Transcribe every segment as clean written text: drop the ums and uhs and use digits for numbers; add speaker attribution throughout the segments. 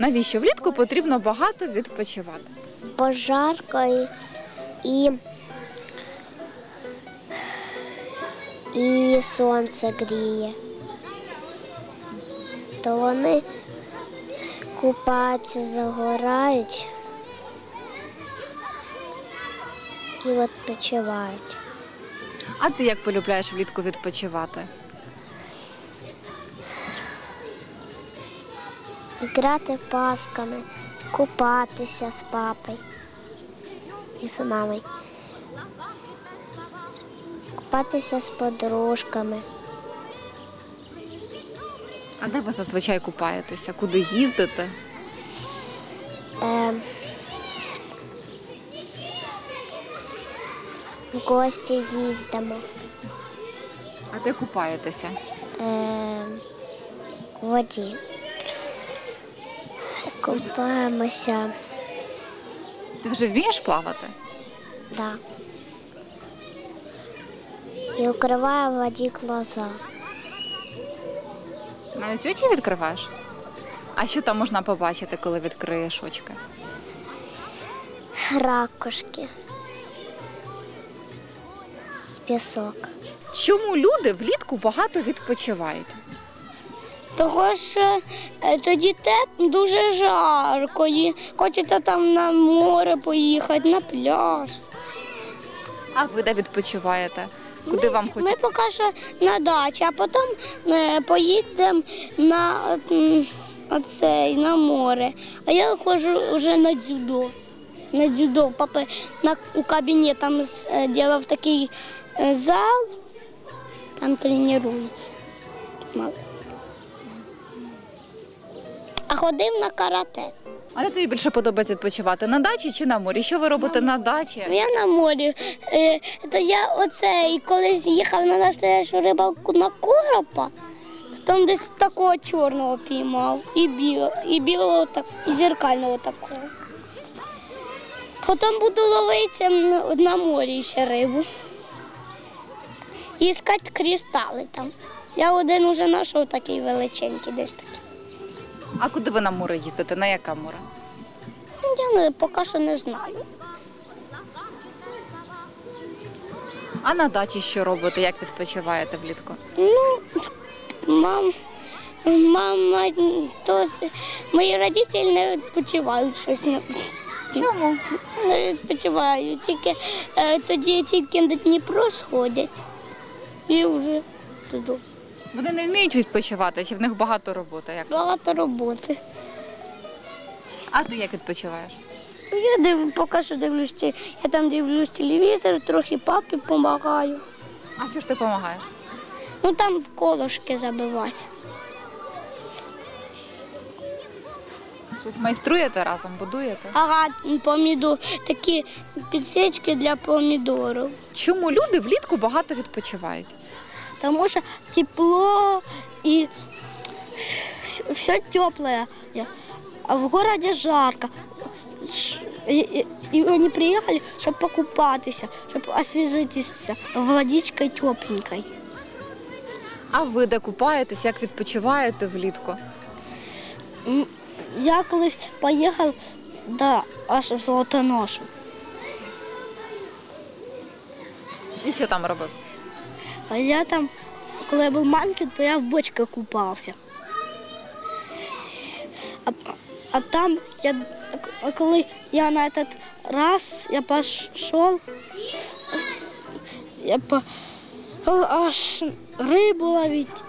Speaker 1: Навіщо влітку потрібно багато відпочивати?
Speaker 2: Бо жарко і сонце гріє. То вони купаються, загорають і відпочивають.
Speaker 1: А ти як полюбляєш влітку відпочивати?
Speaker 2: Грати пасками, купатися з папою і з мамою. Купатися з подружками.
Speaker 1: А де ви зазвичай купаєтеся? Куди їздите?
Speaker 2: В гості їздимо.
Speaker 1: А де купаєтеся?
Speaker 2: В воді. Купаємося.
Speaker 1: Ти вже вмієш плавати?
Speaker 2: Да. І укриваю в воді глаза.
Speaker 1: Навіть очі відкриваєш? А що там можна побачити, коли відкриєш очки?
Speaker 2: Ракушки. І пісок.
Speaker 1: Чому люди влітку багато відпочивають?
Speaker 3: Тому що тоді дуже жарко, і хочеться там на море поїхати, на пляж.
Speaker 1: А ви де відпочиваєте? Куди вам
Speaker 3: Ми
Speaker 1: хочеться?
Speaker 3: поки що на дачі, а потім поїдемо на море. А я ходжу вже на дзюдо. На дзюдо. Папа у кабінеті там зробив такий зал, там тренуються. А ходив на карате.
Speaker 1: А де тобі більше подобається відпочивати? На дачі чи на морі? Що ви робите на дачі?
Speaker 3: Я на морі. То я колись їхав на настоящу рибалку на коропа, то там десь такого чорного піймав, і білого, і зеркального такого. Потім буду ловити на морі ще рибу. І іскати кристали там. Я один уже знайшов такий величенький десь такий.
Speaker 1: А куди ви на море їздите? На яке море?
Speaker 3: Я поки що не знаю.
Speaker 1: А на дачі що робите? Як відпочиваєте влітку?
Speaker 3: Мама, мої родителі не відпочивають щось.
Speaker 1: Чому?
Speaker 3: Не відпочивають, тоді тільки на Дніпро сходять і вже туди.
Speaker 1: Вони не вміють відпочивати, чи в них багато роботи? Як?
Speaker 3: Багато роботи.
Speaker 1: А ти як відпочиваєш?
Speaker 3: Я поки що дивлюсь, я там дивлюсь телевізор, трохи папі допомагаю.
Speaker 1: А що ж ти допомагаєш?
Speaker 3: Там колошки забивати.
Speaker 1: Щось майструєте разом, будуєте?
Speaker 3: Ага, такі підсічки для помідорів.
Speaker 1: Чому люди влітку багато відпочивають?
Speaker 3: Тому що тепло і все тепле, а в городе жарко. И они приехали, чтобы покупаться, чтобы освежиться водичкой тепленькой.
Speaker 1: А ви де купаєтесь, як відпочиваєте влітку?
Speaker 3: Я колись поїхав аж в Золотоношу.
Speaker 1: І що там робив?
Speaker 3: А я там, коли я був маленький, то я в бочці купався. А там, коли я на этот раз пішов, я аж рибу ловити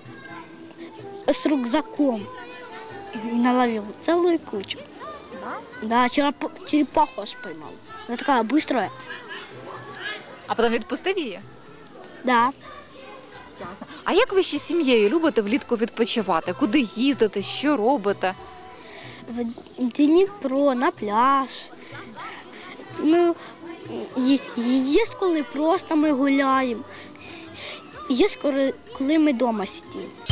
Speaker 3: з рюкзаком. И наловил целую кучу. Да, черепаху аж поймал. Она такая быстрая.
Speaker 1: А потім відпустив її?
Speaker 3: Да.
Speaker 1: А як ви ще з сім'єю любите влітку відпочивати? Куди їздите, що робите?
Speaker 3: В Дніпро, на пляж. Є коли просто ми гуляємо. Є коли ми вдома сидимо.